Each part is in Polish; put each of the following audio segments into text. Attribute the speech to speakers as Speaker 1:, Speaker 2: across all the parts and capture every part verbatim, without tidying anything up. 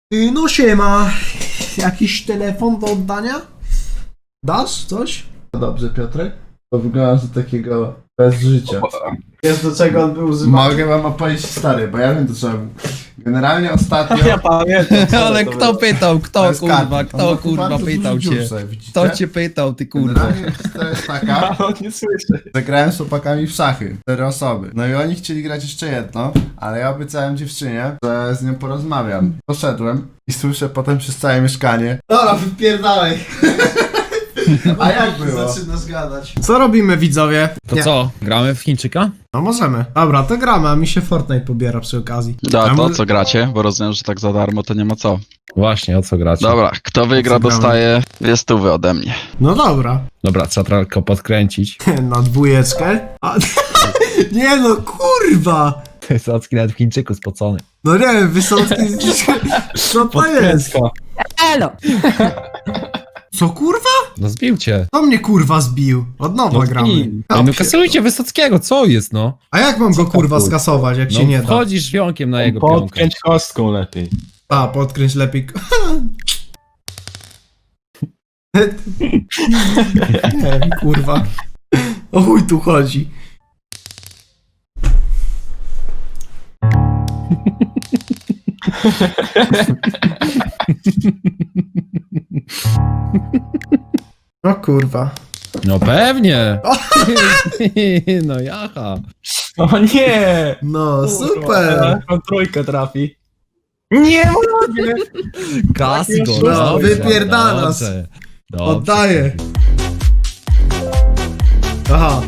Speaker 1: Yy, no siema. Jakiś telefon do oddania? Dasz coś?
Speaker 2: Dobrze, Piotrek? To wygląda do takiego bez życia.
Speaker 1: Jest do czego on był używany?
Speaker 2: Mogę wam opowiedzieć stary, bo ja wiem do czego. Generalnie ostatnio...
Speaker 3: Ja pamiętam.
Speaker 4: Ale kto pytał,
Speaker 2: To
Speaker 4: kto
Speaker 2: jest
Speaker 4: kurwa,
Speaker 2: karty.
Speaker 4: kto
Speaker 2: On ma
Speaker 4: kurwa
Speaker 2: bardzo
Speaker 4: pytał
Speaker 2: dużo
Speaker 4: cię?
Speaker 2: dziur, widzicie?
Speaker 4: Kto cię pytał, ty kurwa?
Speaker 2: Generalnie to jest taka,
Speaker 3: On nie słyszy.
Speaker 2: że grałem z chłopakami w szachy, cztery osoby. No i oni chcieli grać jeszcze jedno, ale ja obiecałem dziewczynie, że z nią porozmawiam. Poszedłem i słyszę potem przez całe mieszkanie.
Speaker 1: Dobra, wypierdalaj.
Speaker 2: A jak było?
Speaker 1: Zaczynasz gadać. Co robimy, widzowie?
Speaker 4: To
Speaker 1: Nie.
Speaker 4: co, gramy w Chińczyka?
Speaker 1: No możemy. Dobra, to gramy, a mi się Fortnite pobiera przy okazji.
Speaker 5: Da,
Speaker 1: A
Speaker 5: to
Speaker 1: może-
Speaker 5: co gracie, bo rozumiem, że tak za darmo to nie ma co.
Speaker 4: Właśnie, o co gracie?
Speaker 5: Dobra, kto wygra
Speaker 1: Co gramy?
Speaker 5: dostaje dwie stówy ode mnie.
Speaker 1: No dobra.
Speaker 4: Dobra, trzeba tylko podkręcić.
Speaker 1: Na dwójeczkę. A... Nie no, kurwa!
Speaker 4: Wysocki nawet w Chińczyku spocony.
Speaker 1: No nie wiem, Wysocki... Co to jest?
Speaker 6: Elo!
Speaker 1: Co kurwa?
Speaker 4: No zbił cię.
Speaker 1: To mnie kurwa zbił. Od nowa
Speaker 4: No
Speaker 1: gramy.
Speaker 4: zbił.
Speaker 1: Ja
Speaker 4: No
Speaker 1: pierdolę.
Speaker 4: kasujcie Wysockiego, co jest no?
Speaker 1: A jak mam go
Speaker 4: tam,
Speaker 1: kurwa
Speaker 4: kurwa?
Speaker 1: skasować, jak
Speaker 4: No
Speaker 1: się nie da?
Speaker 4: wchodzisz wionkiem na jego pionkę.
Speaker 3: Podkręć kostką lepiej.
Speaker 1: A, podkręć lepiej. Nie wiem, kurwa. O chuj tu chodzi. O kurwa.
Speaker 4: No pewnie. No jaha.
Speaker 3: O nie!
Speaker 1: No, super.
Speaker 3: On trójkę trafi. Nie mogę!
Speaker 4: Kasy go.
Speaker 1: No,
Speaker 4: dobrze,
Speaker 1: wypierdalasz.
Speaker 4: dobrze, dobrze.
Speaker 1: Oddaję. Aha.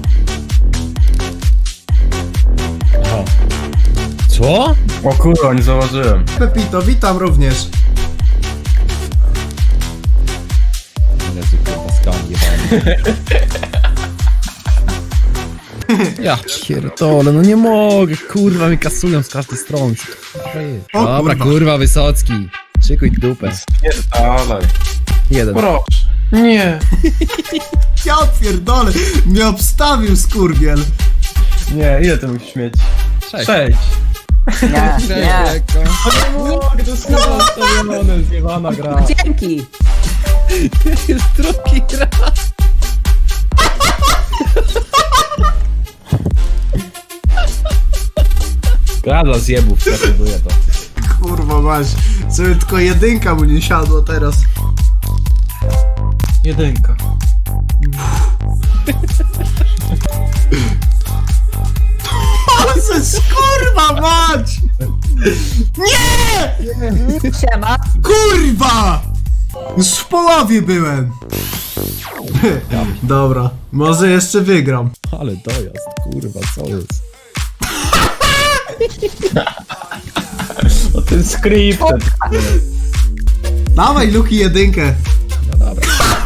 Speaker 4: O. Co?
Speaker 3: O kurwa, nie zauważyłem.
Speaker 1: Pepito, witam również.
Speaker 4: Jezu, kurwa, skam jebany. Ja pierdolę, no nie mogę, kurwa, mi kasują z każdej strony.
Speaker 1: O,
Speaker 4: Dobra,
Speaker 1: kurwa.
Speaker 4: kurwa, Wysocki. Szykuj dupę.
Speaker 3: Nie dalej.
Speaker 4: Jeden.
Speaker 3: Proszę. Nie.
Speaker 1: Ja pierdolę. Mnie obstawił skurwiel.
Speaker 3: Nie, ile ty musisz mieć?
Speaker 4: Sześć.
Speaker 3: Sześć.
Speaker 6: Nie, nie.
Speaker 3: O nie mogę, to jest kurwa ustawione, zjebana gra.
Speaker 6: Dzięki!
Speaker 4: Jest drugi raz. Gra dla zjebów, preferuję to.
Speaker 1: Kurwa masz. Sobie tylko jedynka mu nie siadło teraz.
Speaker 3: Jedynka.
Speaker 1: Jezus, kurwa mać! Nie!
Speaker 6: Siema!
Speaker 1: Kurwa! Już w połowie byłem. Dobra, może jeszcze wygram.
Speaker 4: Ale dojazd, kurwa, co jest?
Speaker 3: O tym scripted.
Speaker 1: Dawaj Luki jedynkę.
Speaker 4: No dobra.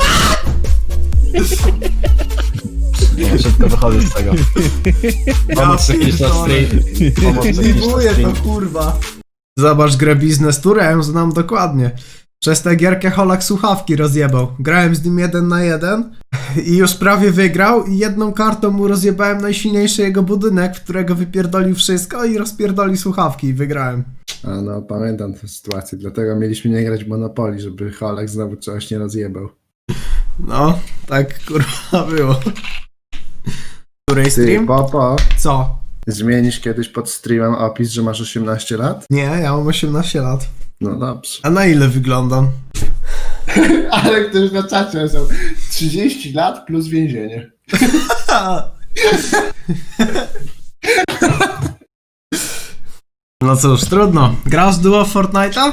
Speaker 3: No, szybko wychodzę z tego. Pomoc techniczna
Speaker 1: pierdolę.
Speaker 3: stream. Pomoc techniczna
Speaker 1: Libuję
Speaker 3: stream.
Speaker 1: to kurwa. Zobacz grę Business Tour, ja ją znam dokładnie. Przez tę gierkę Holak słuchawki rozjebał. Grałem z nim jeden na jeden i już prawie wygrał i jedną kartą mu rozjebałem najsilniejszy jego budynek, w którego wypierdolił wszystko i rozpierdolił słuchawki i wygrałem.
Speaker 2: A no, pamiętam tę sytuację, dlatego mieliśmy nie grać w Monopoly, żeby Holek znowu czegoś nie rozjebał.
Speaker 1: No, tak kurwa było. Której
Speaker 2: Ty,
Speaker 1: stream?
Speaker 2: Popo,
Speaker 1: Co?
Speaker 2: zmienisz kiedyś pod streamem opis, że masz osiemnaście lat?
Speaker 1: Nie, ja mam osiemnaście lat.
Speaker 2: No dobrze.
Speaker 1: A na ile wyglądam?
Speaker 2: Ale ktoś na czacie są trzydzieści lat plus więzienie.
Speaker 1: No cóż, trudno. Grasz duo w Fortnite'a?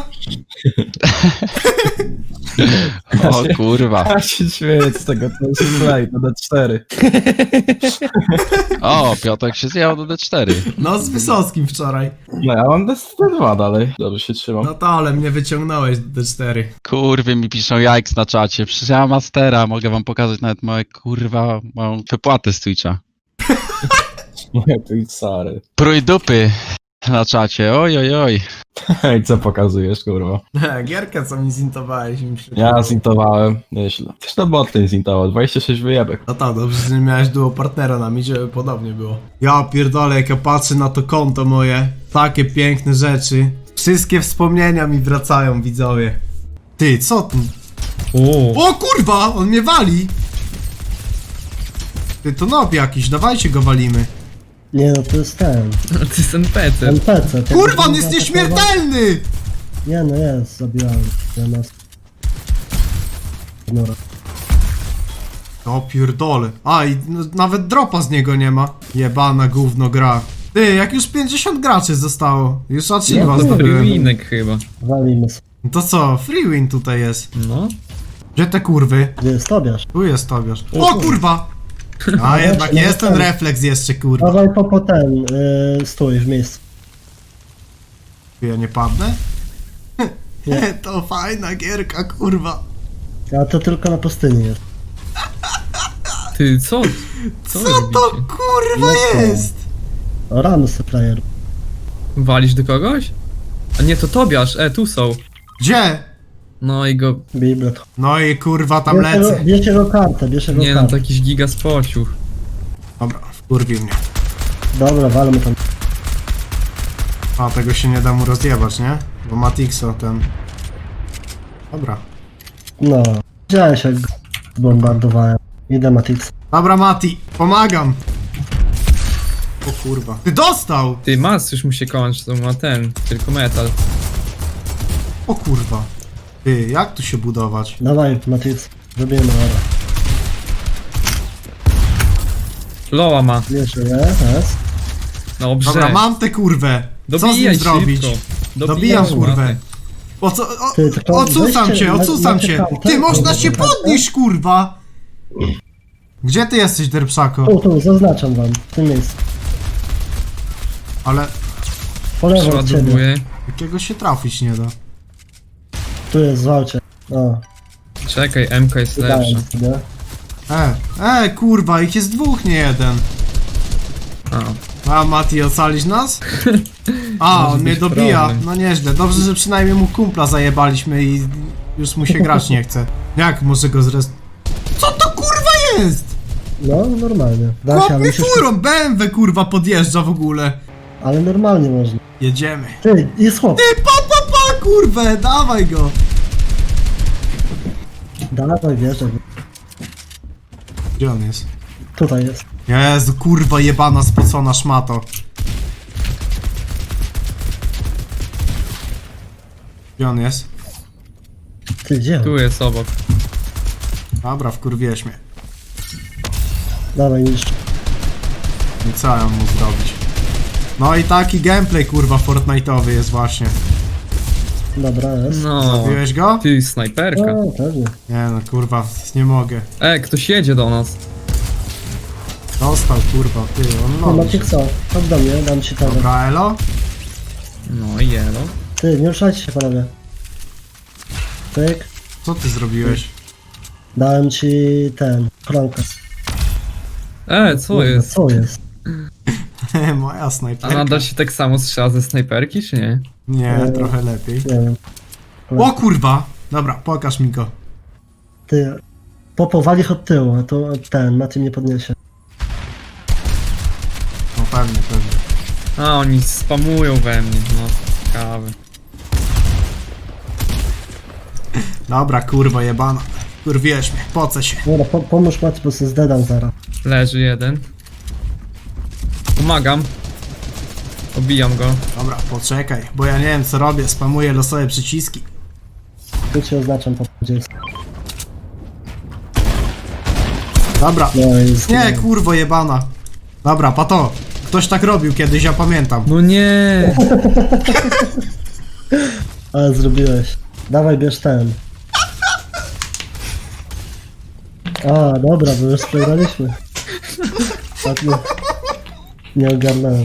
Speaker 5: O kurwa.
Speaker 3: Ja się śmieję z tego, to jest play, to D cztery.
Speaker 5: O, Piotrek się zjechał do D cztery.
Speaker 1: No z Wysockim wczoraj.
Speaker 3: No ja mam D dwa dalej. Dobrze się trzymam.
Speaker 1: No to ale mnie wyciągnąłeś do D cztery.
Speaker 5: Kurwy mi piszą jajks na czacie. Przecież ja mam mastera, mogę wam pokazać nawet moje kurwa, moją wypłatę z Twitcha.
Speaker 3: Moje Twitchary.
Speaker 5: Prój dupy na czacie, oj oj oj.
Speaker 3: Ej, co pokazujesz, kurwa?
Speaker 1: Gierkę co mi zintowałeś. Mi się
Speaker 3: Ja zintowałem, nieźle. Też na boty zintował, dwadzieścia sześć wyjebek.
Speaker 1: No tak, dobrze, że nie miałeś duo partnera na mi, żeby podobnie było. Ja pierdolę, jak ja patrzę na to konto moje, takie piękne rzeczy. Wszystkie wspomnienia mi wracają, widzowie. Ty, co tu?
Speaker 4: O,
Speaker 1: O kurwa, on mnie wali! Ty, to nob jakiś, dawajcie go walimy.
Speaker 7: Nie no, to jest ten.
Speaker 4: to jest N P C.
Speaker 7: N P C. to
Speaker 1: Kurwa, on
Speaker 7: jest
Speaker 1: jest
Speaker 7: zaatakował-
Speaker 1: nieśmiertelny!
Speaker 7: Nie no, jest, zabijałem. Ja nas... No,
Speaker 1: O pierdole. A, i no, nawet dropa z niego nie ma. Jebana gówno gra. Ty, jak już pięćdziesiąt graczy zostało. Już achieve'a
Speaker 4: To
Speaker 1: zdobyłem.
Speaker 4: winek chyba.
Speaker 7: walimy sobie.
Speaker 1: No to co, free win tutaj jest.
Speaker 4: No.
Speaker 1: Gdzie te kurwy?
Speaker 7: Gdzie jest Tobiasz?
Speaker 1: Tu jest Tobiasz. O kurwa! A jednak jest ten refleks jeszcze, kurwa.
Speaker 7: Dawaj po, po ten, yy, stój w miejscu.
Speaker 1: Ja nie padnę?
Speaker 7: Nie.
Speaker 1: Nie, to fajna gierka, kurwa.
Speaker 7: A to tylko na pustyni jest.
Speaker 4: Ty, co? Co,
Speaker 1: Co
Speaker 4: wy
Speaker 1: to
Speaker 4: robicie?
Speaker 1: kurwa
Speaker 7: No co?
Speaker 1: jest?
Speaker 7: O, Ramsey player.
Speaker 4: Walisz do kogoś? A nie, to Tobiasz, e, tu są.
Speaker 1: Gdzie?
Speaker 4: No i go...
Speaker 7: Biblet.
Speaker 1: No i kurwa tam
Speaker 7: Bierz jego,
Speaker 1: lecę.
Speaker 7: bierz jego kartę, bierz jego
Speaker 4: Nie no,
Speaker 7: kartę.
Speaker 4: to jakiś giga spociuch.
Speaker 1: Dobra, wkurwił mnie.
Speaker 7: Dobra, walmy tam.
Speaker 1: A, tego się nie da mu rozjebać, nie? Bo ma Tixo ten... Dobra.
Speaker 7: No. Widziałeś jak go bombardowałem. Idę Matix.
Speaker 1: Dobra, Mati, pomagam. O kurwa. Ty dostał!
Speaker 4: Ty, mas już mu się kończy, to ma ten, tylko metal.
Speaker 1: O kurwa. Ty, jak tu się budować?
Speaker 7: Dawaj Matix. Zrobimy ora.
Speaker 4: Loa ma.
Speaker 7: Wiesz, je, jest.
Speaker 4: Dobrze.
Speaker 1: Dobra, mam tę kurwę. Co z nim
Speaker 4: Dobijaj
Speaker 1: zrobić?
Speaker 4: szybko.
Speaker 1: Dobijam
Speaker 4: Dobijaj,
Speaker 1: kurwę.
Speaker 4: matę.
Speaker 1: O co? O,
Speaker 7: Ty, tylko
Speaker 1: odsucam
Speaker 7: weźcie-
Speaker 1: cię,
Speaker 7: ma-
Speaker 1: odsucam
Speaker 7: macie
Speaker 1: cię.
Speaker 7: kartę?
Speaker 1: Ty, można
Speaker 7: Macie
Speaker 1: się
Speaker 7: kartę?
Speaker 1: podnieść, kurwa. Gdzie ty jesteś, Derpsako?
Speaker 7: Tu, tu, zaznaczam wam. W tym miejscu.
Speaker 1: Ale
Speaker 7: Po lewo od ciebie.
Speaker 4: Przeładowuję.
Speaker 1: jakiego się trafić nie da.
Speaker 7: Tu jest, zwalcie. O,
Speaker 4: Czekaj, M K jest lepsza.
Speaker 7: wydałem sobie.
Speaker 1: E, e, kurwa, ich jest dwóch, nie jeden.
Speaker 4: A,
Speaker 1: A, Mati, ocalisz nas? A,
Speaker 4: Może
Speaker 1: on mnie
Speaker 4: być
Speaker 1: dobija.
Speaker 4: problem.
Speaker 1: No nieźle. Dobrze, że przynajmniej mu kumpla zajebaliśmy i już mu się grać nie chce. Jak może go zrest... Co to kurwa jest?
Speaker 7: No, normalnie. Da się,
Speaker 1: Chłop
Speaker 7: ale
Speaker 1: mi
Speaker 7: musisz...
Speaker 1: furą, B M W kurwa podjeżdża w ogóle.
Speaker 7: Ale normalnie można.
Speaker 1: Jedziemy.
Speaker 7: Ty, jest chłop.
Speaker 1: Ty, pa, pa, pa, kurwę, dawaj go.
Speaker 7: Dawaj, wierzę.
Speaker 1: Gdzie on jest?
Speaker 7: Tutaj jest.
Speaker 1: Jezu, kurwa jebana spocona szmato. Gdzie on jest?
Speaker 7: Ty, gdzie?
Speaker 4: tu jest obok.
Speaker 1: Dobra, wkurwiłeś mnie.
Speaker 7: Dawaj, niszcz.
Speaker 1: I co ja mam mu zrobić? No i taki gameplay kurwa Fortnite'owy jest właśnie.
Speaker 7: Dobra, jest.
Speaker 4: No.
Speaker 1: Zabiłeś go?
Speaker 4: Ty, snajperka.
Speaker 7: O, pewnie.
Speaker 1: Nie no kurwa, nie mogę.
Speaker 4: E, ktoś jedzie do nas.
Speaker 1: Dostał kurwa, ty, on
Speaker 7: No,
Speaker 1: loży.
Speaker 7: Maciek co? Chodź do mnie, dam ci tego.
Speaker 1: Dobra, elo?
Speaker 4: No i jelo.
Speaker 7: Ty, nie ruszajcie się panowie. Tyk.
Speaker 1: Co ty zrobiłeś?
Speaker 7: Dałem ci ten, kronkę.
Speaker 4: E, co
Speaker 7: Kurwa,
Speaker 4: jest?
Speaker 7: Co jest?
Speaker 1: Moja
Speaker 4: A
Speaker 1: snajperka.
Speaker 4: nadal się tak samo strzela ze snajperki, czy nie?
Speaker 1: Nie,
Speaker 7: Eee.
Speaker 1: trochę lepiej.
Speaker 7: Nie wiem.
Speaker 1: O kurwa! Dobra, pokaż mi go.
Speaker 7: Ty, popowali ich od tyłu, a to ten, Maciej mnie podniesie.
Speaker 1: No pewnie, pewnie.
Speaker 4: A, oni spamują we mnie, no. Ciekawe.
Speaker 1: Dobra, kurwa jebana. Kurwiłeś mnie, pocę się.
Speaker 7: Dobra, po, pomóż Maciej, bo się zdedam zaraz.
Speaker 4: Leży jeden. Pomagam. Obijam go.
Speaker 1: Dobra, poczekaj, bo ja nie wiem co robię, spamuję losowe przyciski.
Speaker 7: Tu ci oznaczam po gdzie jest.
Speaker 1: Dobra.
Speaker 7: No i
Speaker 1: Nie, kurwo jebana. Dobra, pato. Ktoś tak robił kiedyś, ja pamiętam.
Speaker 4: No nie!
Speaker 7: Ale zrobiłeś. Dawaj, bierz ten. A, dobra, bo już przegraliśmy. Tak nie, nie ogarnąłem.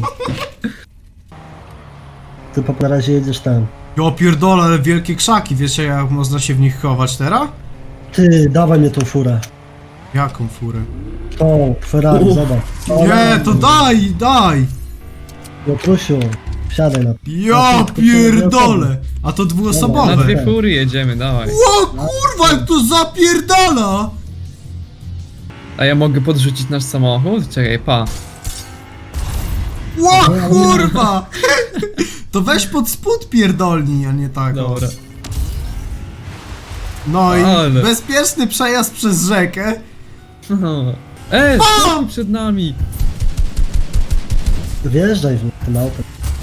Speaker 7: Ty po na razie jedziesz tam.
Speaker 1: Jo pierdolę, ale wielkie krzaki, wiecie jak można się w nich chować teraz?
Speaker 7: Ty, dawaj mnie tą furę.
Speaker 1: Jaką furę?
Speaker 7: O, Ferrari, zobacz. O,
Speaker 1: Nie, to daj, daj!
Speaker 7: Piotrusiu, wsiadaj na...
Speaker 1: Ja pierdolę! A to
Speaker 4: Na
Speaker 1: dwuosobowe.
Speaker 4: dwie fury jedziemy, dawaj.
Speaker 1: O kurwa, jak to zapierdala!
Speaker 4: A ja mogę podrzucić nasz samochód? Czekaj, pa.
Speaker 1: Ło, kurwa! To weź pod spód pierdolni, a nie tak. o.
Speaker 4: Dobra.
Speaker 1: No i
Speaker 4: Ale.
Speaker 1: bezpieczny przejazd przez rzekę.
Speaker 4: E, stoi przed nami!
Speaker 7: Wjeżdżaj w tym autem.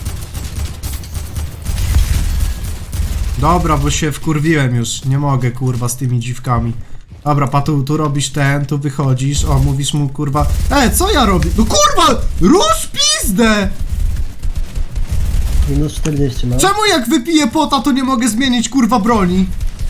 Speaker 1: Dobra, bo się wkurwiłem już. Nie mogę, kurwa, z tymi dziwkami. Dobra, Patu, tu robisz ten, tu wychodzisz. O, mówisz mu, kurwa. E, co ja robię? No kurwa! Rusz pizdę!
Speaker 7: Minus czterdzieści ma.
Speaker 1: Czemu jak wypiję pota, to nie mogę zmienić, kurwa, broni?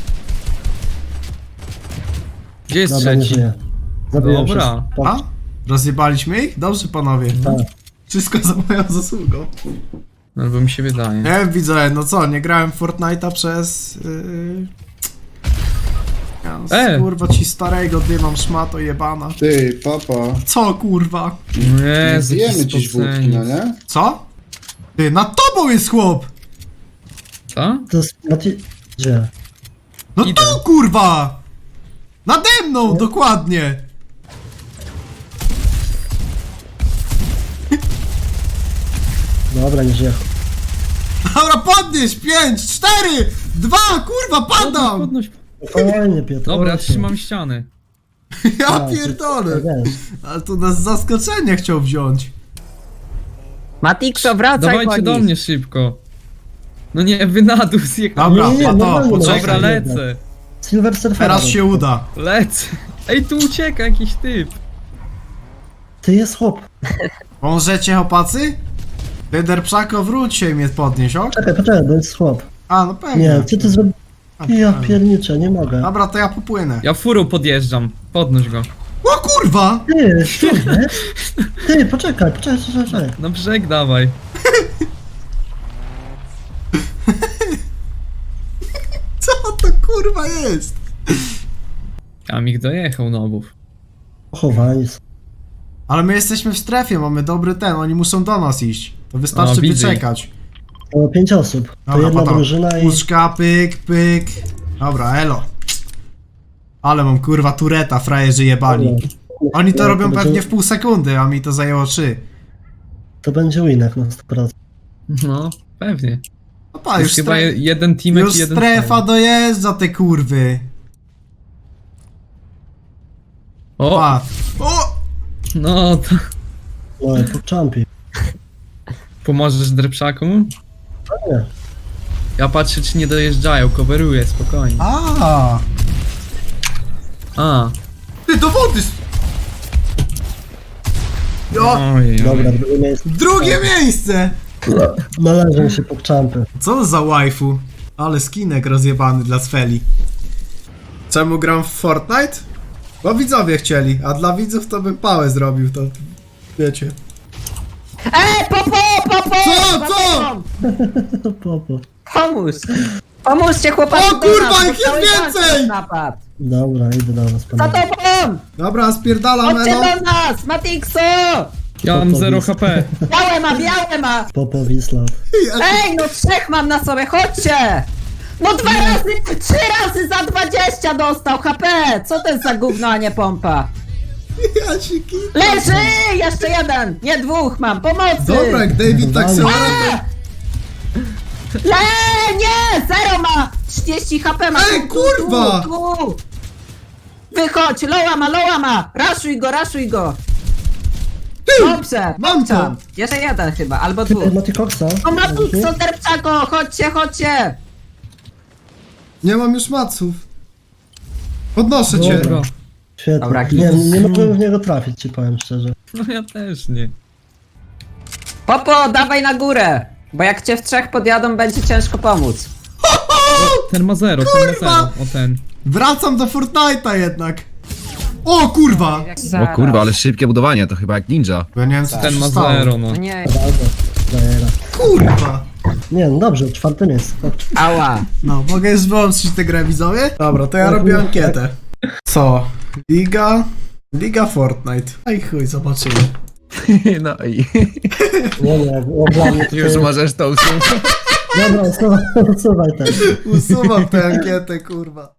Speaker 4: Gdzie jest
Speaker 7: Dobra, nie
Speaker 4: trzeci?
Speaker 7: żyje. Zabiłem
Speaker 4: Dobra.
Speaker 7: wszystko.
Speaker 1: A? Rozjebaliśmy ich? Dobrze, panowie.
Speaker 7: Tak.
Speaker 1: Wszystko za moją zasługą.
Speaker 4: Albo mi się wydaje.
Speaker 1: Nie wiem, widzę, no co, nie grałem w Fortnite'a przez... Yy... Ja,
Speaker 4: E!
Speaker 1: kurwa, ci starego dymam, szmato jebana.
Speaker 2: Ty, papa.
Speaker 1: Co, kurwa?
Speaker 4: Jezu,
Speaker 2: Zjemy
Speaker 4: jaki
Speaker 2: dziś wódki,
Speaker 4: spoceniec.
Speaker 2: no nie?
Speaker 1: Co? Ty, nad tobą jest chłop!
Speaker 4: Co?
Speaker 7: To jest Mati... Gdzie?
Speaker 1: No
Speaker 4: Idę.
Speaker 1: tu, kurwa! Nade mną, dokładnie!
Speaker 7: Dobra, nie żyje.
Speaker 1: Dobra, podnieś! Pięć, cztery, dwa, kurwa, padam!
Speaker 4: Podnoś.
Speaker 7: Fajnie, Piotr.
Speaker 4: Dobra, ja
Speaker 7: osiem.
Speaker 4: trzymam ściany.
Speaker 1: Ja
Speaker 7: A,
Speaker 1: pierdolę!
Speaker 7: Wiesz,
Speaker 1: Ale tu nas z zaskoczenia chciał wziąć.
Speaker 6: Matixo, wracaj
Speaker 4: Dawajcie
Speaker 6: po
Speaker 4: do
Speaker 6: nich.
Speaker 4: mnie szybko. No nie, wy na dół zjechałem.
Speaker 1: Dobra,
Speaker 7: Nie, nie,
Speaker 1: Pato,
Speaker 7: normalnie,
Speaker 1: poczekaj.
Speaker 4: Dobra,
Speaker 7: Czekaj,
Speaker 4: lecę.
Speaker 7: Silver Surfer.
Speaker 1: Teraz się uda.
Speaker 4: Lecę. Ej, tu ucieka jakiś typ.
Speaker 7: Ty jest chłop.
Speaker 1: Możecie, chłopacy? Lider Pszako, wróć się i mnie podnieś, ok?
Speaker 7: Czekaj, poczekaj, to jest chłop.
Speaker 1: A, no pewnie.
Speaker 7: Nie, co ty zrobiłeś?
Speaker 1: A,
Speaker 7: Ja
Speaker 1: pewnie.
Speaker 7: pierniczę, nie mogę.
Speaker 1: Dobra, to ja popłynę.
Speaker 4: Ja furą podjeżdżam. Podnoś go.
Speaker 1: O kurwa!
Speaker 7: Ty, szczurze? Ty, poczekaj, poczekaj, poczekaj, poczekaj.
Speaker 4: Na brzeg dawaj.
Speaker 1: Co to kurwa jest?
Speaker 4: A mi dojechał nobów.
Speaker 7: Pochowani są.
Speaker 1: Ale my jesteśmy w strefie, mamy dobry ten, oni muszą do nas iść. To wystarczy
Speaker 4: O, widzę
Speaker 1: wyczekać.
Speaker 7: To pięć osób. To
Speaker 1: Dobra,
Speaker 7: jedna
Speaker 1: Pato.
Speaker 7: drużyna i...
Speaker 1: Puszka, pyk, pyk. Dobra, elo. Ale mam kurwa tureta, frajerzy jebani. Oni to
Speaker 7: No,
Speaker 1: robią
Speaker 7: będzie-
Speaker 1: pewnie w pół sekundy, a mi to zajęło trzy.
Speaker 7: To będzie winek na sto procent.
Speaker 4: No, pewnie.
Speaker 1: No pa,
Speaker 4: To
Speaker 1: już,
Speaker 4: jest chyba
Speaker 1: stre...
Speaker 4: je- jeden teamek
Speaker 1: już
Speaker 4: i jeden
Speaker 1: strefa
Speaker 4: cały.
Speaker 1: dojeżdża, te kurwy.
Speaker 4: O,
Speaker 1: Pa. O!
Speaker 4: no to
Speaker 7: No, po champi.
Speaker 4: pomożesz drepszakom?
Speaker 7: Nie.
Speaker 4: Ja patrzę czy nie dojeżdżają, coveruję, spokojnie.
Speaker 1: A,
Speaker 4: A,
Speaker 1: ty do wody! s- Jo,
Speaker 4: ojej,
Speaker 7: Dobra,
Speaker 4: ojej.
Speaker 7: drugie miejsce.
Speaker 1: drugie miejsce!
Speaker 7: Należą się po champy.
Speaker 1: Co za waifu? Ale skinek rozjebany dla Sfeli. Czemu gram w Fortnite? Bo widzowie chcieli, a dla widzów to bym pałę zrobił, to wiecie.
Speaker 6: Ej, popo, popo!
Speaker 1: Co, co?
Speaker 7: Popo.
Speaker 6: Pomóż! Pomóżcie chłopaki
Speaker 1: O
Speaker 6: do
Speaker 1: kurwa,
Speaker 6: nas, bo
Speaker 1: ich jest
Speaker 6: cały
Speaker 1: więcej!
Speaker 6: bank Napad.
Speaker 7: Dobra, idę do was,
Speaker 6: Za
Speaker 7: panowie.
Speaker 6: tobą!
Speaker 1: Dobra, spierdalam,
Speaker 6: Chodźcie
Speaker 1: Elo.
Speaker 6: do nas! Matixo!
Speaker 4: Ja mam zero H P.
Speaker 6: Białe ma, białe ma!
Speaker 7: Popo, Wislat.
Speaker 6: Ej, no trzech mam na sobie, chodźcie! No dwa razy, trzy razy za dwadzieścia dostał H P! Co to jest za gówno, a nie pompa?
Speaker 1: Ja się ki...
Speaker 6: Leży! Jeszcze jeden! Nie, dwóch mam, pomocy!
Speaker 1: Dobra, jak David tak sobie...
Speaker 6: A! Le, nie! Zero ma! trzydzieści H P ma!
Speaker 1: Ej,
Speaker 6: tu, tu,
Speaker 1: kurwa!
Speaker 6: Tu, tu. Wychodź, loła ma, loła ma! Raszuj go, raszuj go! Dobrze,
Speaker 1: mam to.
Speaker 6: popczam. Jeszcze jeden chyba, albo dwóch.
Speaker 7: Ty, Mati Coxa.
Speaker 6: O, Matixo, Derpczako, chodźcie, chodźcie!
Speaker 1: Nie mam już maców. Podnoszę cię.
Speaker 4: Dobra.
Speaker 7: Świetnie.
Speaker 6: Dobra,
Speaker 7: nie, nie mogłem w niego trafić, ci powiem szczerze.
Speaker 4: No ja też nie.
Speaker 6: Popo, dawaj na górę! Bo jak cię w trzech podjadą, będzie ciężko pomóc.
Speaker 4: Ten ma zero, ten ma
Speaker 1: Kurwa!
Speaker 4: zero. O ten.
Speaker 1: Wracam do Fortnite'a jednak. O kurwa!
Speaker 8: O kurwa, ale szybkie budowanie, to chyba jak ninja.
Speaker 1: Bo ja nie wiem co tu
Speaker 4: Ten
Speaker 1: się
Speaker 4: ma
Speaker 1: stało.
Speaker 4: zero, no.
Speaker 6: No nie,
Speaker 7: Prawda. Zajera.
Speaker 1: Kurwa!
Speaker 7: Nie, no dobrze, czwarte miejsce. Chodź.
Speaker 6: ała.
Speaker 1: No, mogę już wyłączyć tę grę, widzowie? Dobra, to ja
Speaker 7: No,
Speaker 1: robię
Speaker 7: no,
Speaker 1: ankietę. Co? Liga? Liga Fortnite. Aj chuj, zobaczymy.
Speaker 8: No i
Speaker 7: Nie, nie, o, dla mnie to
Speaker 8: już
Speaker 7: jest...
Speaker 8: możesz to usunąć.
Speaker 7: Dobra, usuwaj, usuwaj ten.
Speaker 1: Usuwam tę ankietę, kurwa.